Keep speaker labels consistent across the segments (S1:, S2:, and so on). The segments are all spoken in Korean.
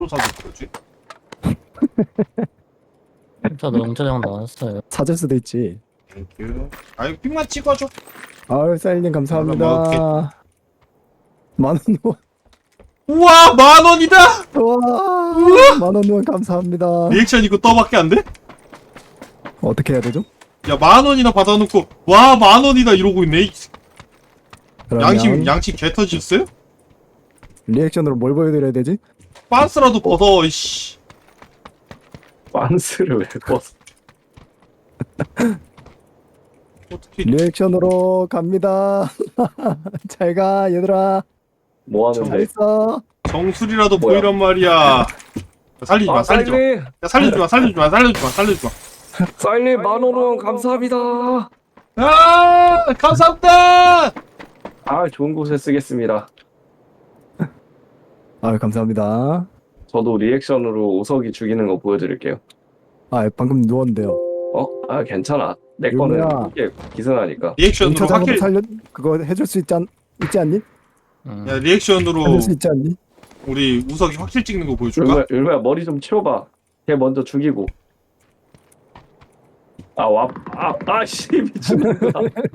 S1: 또 사줄 거지?
S2: 저도 영차장 나왔어요.
S3: 찾을 수도 있지.
S1: 땡큐. 아유 픽만 찍어줘.
S3: 아유 사일님 감사합니다.
S1: 먹을게.
S3: 만원 후원.
S1: 우와 10,000원이다.
S3: 와 만원 후원 감사합니다.
S1: 리액션 이거 떠밖에 안 돼?
S3: 어떻게 해야 되죠?
S1: 야 10,000원이나 받아놓고 와 10,000원이다 이러고 있네.
S3: 그러면
S1: 양심 개 터지셨어요?
S3: 리액션으로 뭘 보여드려야 되지?
S1: 빤스라도 벗어 이씨.
S4: 빤스를 왜 벗어?
S1: 어떻게
S3: 리액션으로 갑니다. 잘 가 얘들아.
S4: 뭐
S3: 잘
S4: 하는데?
S3: 있어.
S1: 정수리라도
S4: 뭐야?
S1: 보이란 말이야. 살리지 마, 살리지 마.
S4: 사인님!
S1: 야, 살리지 마, 살리지 마, 살리지 마, 살리지 마.
S4: 사인님 만원 후원 감사합니다.
S1: 아, 감사합니다.
S4: 아 좋은 곳에 쓰겠습니다.
S3: 아유 감사합니다.
S4: 저도 리액션으로 오석이 죽이는 거 보여드릴게요.
S3: 아 방금 누웠는데요.
S4: 아 괜찮아. 내 거는
S3: 유미야.
S4: 이게 기선하니까.
S1: 리액션으로
S3: 영차장으로
S1: 확실,
S3: 살려 그거 해줄 수 있지 않니?
S1: 야, 리액션으로
S3: 해줄 수 있지 않니?
S1: 우리 우석이 확실 찍는 거 보여줄까?
S4: 율무야 머리 좀 치워봐. 걔 먼저 죽이고. 아씨 미친놈아.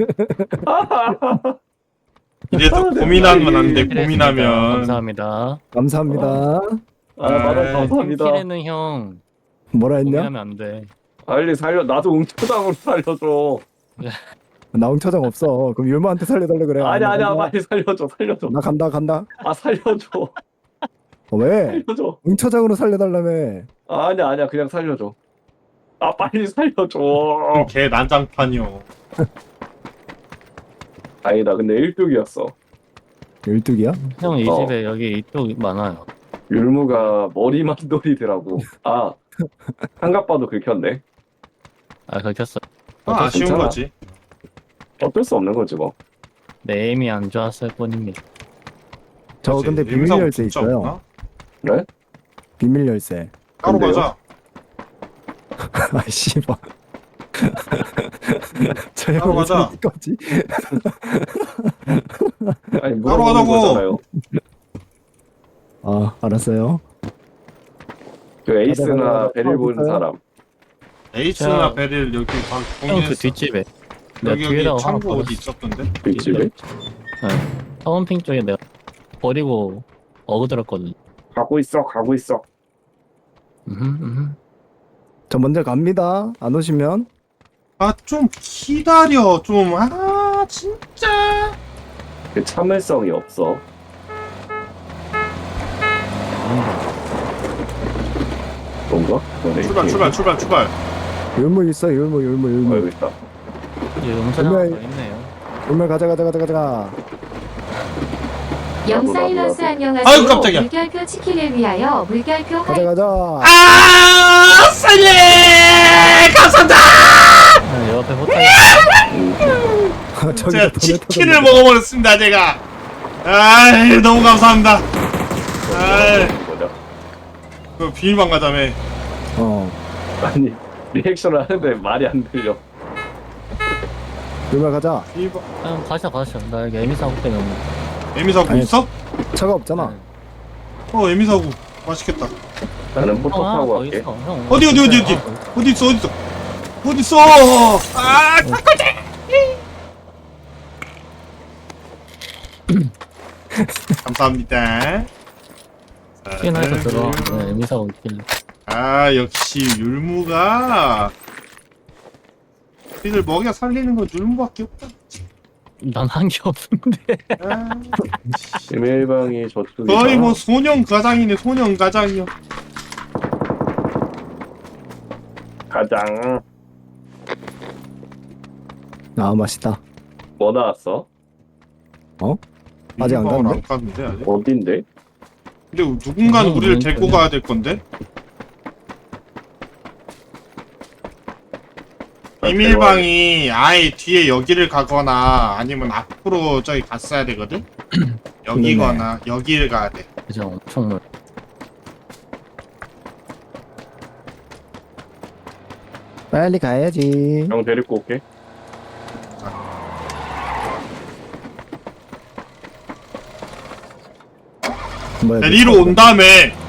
S1: 이래도 고민하면 안 돼,
S2: 필요했습니다.
S1: 고민하면.
S2: 감사합니다.
S3: 감사합니다.
S4: 만원 감사합니다.
S2: 필에는 형
S3: 뭐라 했냐?
S2: 고민하면 안 돼.
S4: 빨리 살려. 나도 웅초당으로 살려줘.
S3: 나 응처장 없어. 그럼 율마한테 살려달래 그래.
S4: 아니야
S3: 나
S4: 빨리 살려줘.
S3: 나 간다.
S4: 아 살려줘.
S3: 왜?
S4: 살려줘.
S3: 응처장으로 살려달라며.
S4: 아니야 그냥 살려줘. 아 빨리 살려줘.
S1: 개 난장판이요.
S4: 다행이다. 근데 1뚝이었어.
S3: 12기야?
S2: 형 이
S4: 어.
S2: 집에 여기 이쪽 많아요.
S4: 율무가 머리만 돌이더라고. 아 한갑 봐도 긁혔네.
S2: 아 긁혔어.
S1: 아쉬운
S4: 괜찮아.
S1: 거지.
S4: 어쩔 수 없는 거지 뭐.
S2: 내 에임이 안 좋았을 뿐입니다.
S3: 저
S1: 그렇지.
S3: 근데 비밀
S1: 임사고
S3: 열쇠
S1: 진짜
S3: 있어요.
S1: 없나?
S4: 그래?
S3: 비밀 열쇠.
S1: 따로
S4: 근데요?
S1: 가자.
S3: 아 씨발. 저
S1: 따로
S3: 형왜
S1: 가자.
S3: 저기 거지?
S4: 아니
S1: 따로
S4: 물어보는
S1: 가자고.
S4: 거잖아요.
S3: 아 알았어요.
S4: 그 에이스나
S3: 가자.
S4: 베릴 보는
S3: 있어요?
S4: 사람.
S1: 에이스나
S2: 자,
S1: 베릴 여기 방
S2: 형 그
S1: 공개했어.
S2: 뒷집에 내가
S1: 여기
S2: 뒤에다가
S1: 창고
S2: 하나
S1: 어디
S2: 버렸어.
S1: 있었던데?
S4: 뒷집에?
S2: 네. 타운핑 쪽에 내가 버리고 어그들었거든.
S4: 가고 있어.
S3: 저 먼저 갑니다. 안 오시면
S1: 아 좀 기다려 좀. 아 진짜.
S4: 그 참을성이 없어. 뭔가?
S1: 출발.
S3: 율무 있어. 율무.
S4: 여기 있다.
S2: 이제 영차장 더
S3: 분명히-
S2: 있네요.
S3: 율무 가자.
S5: 영사일러스 안녕하세요.
S1: 아이고, 깜짝이야.
S5: 물결표 치킨을 위하여 물결표
S3: 가자.
S1: 아 살려. 감사합니다.
S2: 아, 옆에 호텔
S3: 저기
S1: 제가 치킨을 먹어버렸습니다 제가. 아 너무 감사합니다. 아이.
S4: 뭐냐?
S1: 그 비밀방 가자며.
S4: 아니 리액션을 하는데 말이 안 들려.
S3: 율무 가자.
S1: 비밀방.
S2: 형 가셔. 나 여기 에미 사고 때문에
S1: 에미사구
S3: 아니,
S1: 있어?
S3: 차가 없잖아.
S1: 에미사구 맛있겠다.
S4: 나는 포토
S2: 형 하나
S4: 타고
S2: 더
S4: 갈게.
S2: 있어. 형
S1: 어디?
S2: 하나 더 있어.
S1: 어디 있어? 아 감사합니다.
S2: 치킨에서 들어와. 네, 에미 사고 있길래.
S1: 아 역시 율무가 우리를 먹여 살리는 건 율무밖에 없다.
S2: 난 한 게 없는데.
S1: 아,
S4: 비밀방이 저쪽이잖아.
S1: 거의 뭐 소년 가장이네 소년 가장이요.
S4: 가장.
S3: 아 맛있다.
S4: 뭐 나왔어?
S3: 아직 안
S1: 율무방을
S3: 갔는데?
S1: 안 갔는데 아직.
S4: 어딘데?
S1: 근데 누군가는 우리를 데리고
S2: 그냥.
S1: 가야 될 건데. 비밀방이 아예 뒤에 여기를 가거나 아니면 앞으로 저기 갔어야 되거든? 여기거나 여기를 가야 돼.
S2: 그죠, 엄청 멀.
S3: 빨리 가야지.
S4: 형 데리고 올게.
S3: 뭐야?
S1: 데리러 온 다음에